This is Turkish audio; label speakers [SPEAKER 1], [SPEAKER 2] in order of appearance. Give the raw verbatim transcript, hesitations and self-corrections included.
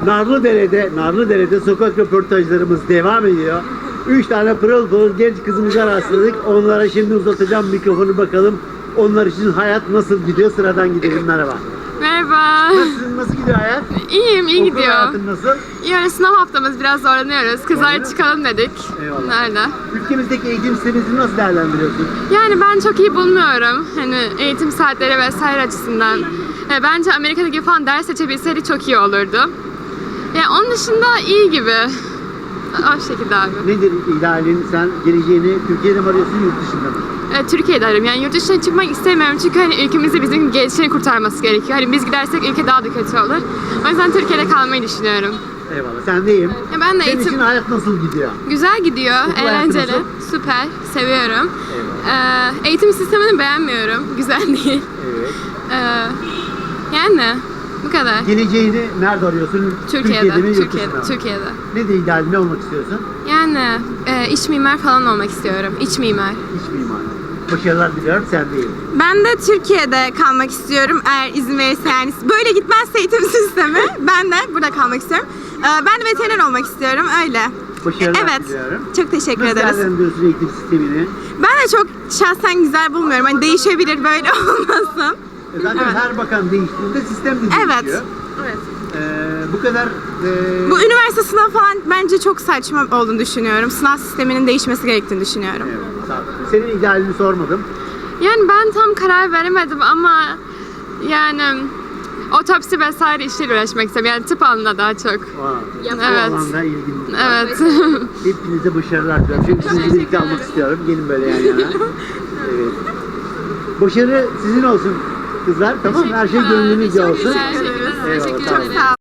[SPEAKER 1] Narlıdere'de, Narlıdere'de sokak röportajlarımız devam ediyor. Üç tane pırıl pırıl genç kızımıza rastladık. Onlara şimdi uzatacağım mikrofonu, bakalım onlar için hayat nasıl gidiyor. Sıradan gidelim. Merhaba.
[SPEAKER 2] Merhaba.
[SPEAKER 1] Nasılsın? Nasıl gidiyor hayat?
[SPEAKER 2] İyiyim, iyi
[SPEAKER 1] Okul
[SPEAKER 2] gidiyor.
[SPEAKER 1] hayatın nasıl?
[SPEAKER 2] Yarın sınav haftamız, biraz zorlanıyoruz. Kızlar
[SPEAKER 1] Zorlanıyor
[SPEAKER 2] çıkalım dedik.
[SPEAKER 1] Eyvallah.
[SPEAKER 2] Nerede?
[SPEAKER 1] Ülkemizdeki eğitim sistemimizi nasıl değerlendiriyorsun?
[SPEAKER 2] Yani ben çok iyi bulmuyorum. Hani eğitim saatleri vesaire açısından. E, bence Amerika'daki falan ders seçebilseydik çok iyi olurdu. Yani onun dışında iyi gibi. O şekilde abi.
[SPEAKER 1] Nedir idealin? Sen geleceğini Türkiye'de mi arıyorsun, yurt dışında mı?
[SPEAKER 2] E, Türkiye'de arıyorum. Yani yurt dışına çıkmak istemiyorum çünkü hani ülkemizi bizim gençlerin kurtarması gerekiyor. Hani biz gidersek ülke daha da kötü olur. O yüzden Türkiye'de kalmayı düşünüyorum.
[SPEAKER 1] Eyvallah. Sen deyim.
[SPEAKER 2] Ya ben de
[SPEAKER 1] Senin
[SPEAKER 2] eğitim...
[SPEAKER 1] için hayat nasıl gidiyor?
[SPEAKER 2] Güzel gidiyor,
[SPEAKER 1] Okul hayatı
[SPEAKER 2] eğlenceli,
[SPEAKER 1] nasıl?
[SPEAKER 2] süper, seviyorum.
[SPEAKER 1] Eyvallah.
[SPEAKER 2] Ee, eğitim sistemini beğenmiyorum, güzel değil.
[SPEAKER 1] Evet.
[SPEAKER 2] Ee, yani bu kadar.
[SPEAKER 1] Geleceğini nerede arıyorsun?
[SPEAKER 2] Türkiye'de,
[SPEAKER 1] mi, yurt
[SPEAKER 2] Türkiye'de,
[SPEAKER 1] dışında mı?
[SPEAKER 2] Türkiye'de.
[SPEAKER 1] Nedir ideal? Ne olmak istiyorsun?
[SPEAKER 2] Yani e, iç mimar falan olmak istiyorum, iç mimar.
[SPEAKER 1] İç mimar. Başarılar diliyorum. Sen deyim.
[SPEAKER 3] Ben de Türkiye'de kalmak istiyorum eğer izin verirse, yani böyle gitmezse eğitim sistemi ben de burada kalmak istiyorum. Ee, Ben de veteriner olmak istiyorum, öyle.
[SPEAKER 1] Başarılar
[SPEAKER 3] Evet,
[SPEAKER 1] diliyorum.
[SPEAKER 3] çok teşekkür
[SPEAKER 1] Nasıl
[SPEAKER 3] ederiz.
[SPEAKER 1] değerlendiriyorsun eğitim sistemini?
[SPEAKER 3] Ben de çok şahsen güzel bulmuyorum, hani değişebilir, böyle olmasın.
[SPEAKER 1] E Zaten
[SPEAKER 3] Evet.
[SPEAKER 1] her bakan değiştiğinde sistem de değişiyor.
[SPEAKER 3] Evet. Evet.
[SPEAKER 1] Ee, bu kadar... e,
[SPEAKER 3] Bu üniversite sınavı falan bence çok saçma olduğunu düşünüyorum. Sınav sisteminin değişmesi gerektiğini düşünüyorum.
[SPEAKER 1] Evet, sağ ol. Senin idealini sormadım.
[SPEAKER 2] Yani ben tam karar veremedim ama yani otopsi vesaire işleriyle uğraşmak istiyorum. Yani tıp alanında daha çok.
[SPEAKER 1] Wow.
[SPEAKER 2] Evet.
[SPEAKER 1] Bu alanda ilgin var.
[SPEAKER 2] Evet.
[SPEAKER 1] Hepinize başarılar diliyorum. Şimdi sizi birlikte almak istiyorum. Gelin böyle yan yana. Evet. Başarı sizin olsun kızlar. Tamam mı? Her şey gönlünüzce olsun.
[SPEAKER 2] Teşekkür ederim.
[SPEAKER 1] Eyvallah,
[SPEAKER 2] Teşekkür
[SPEAKER 1] tamam.
[SPEAKER 2] ederim.
[SPEAKER 3] Sağ ol.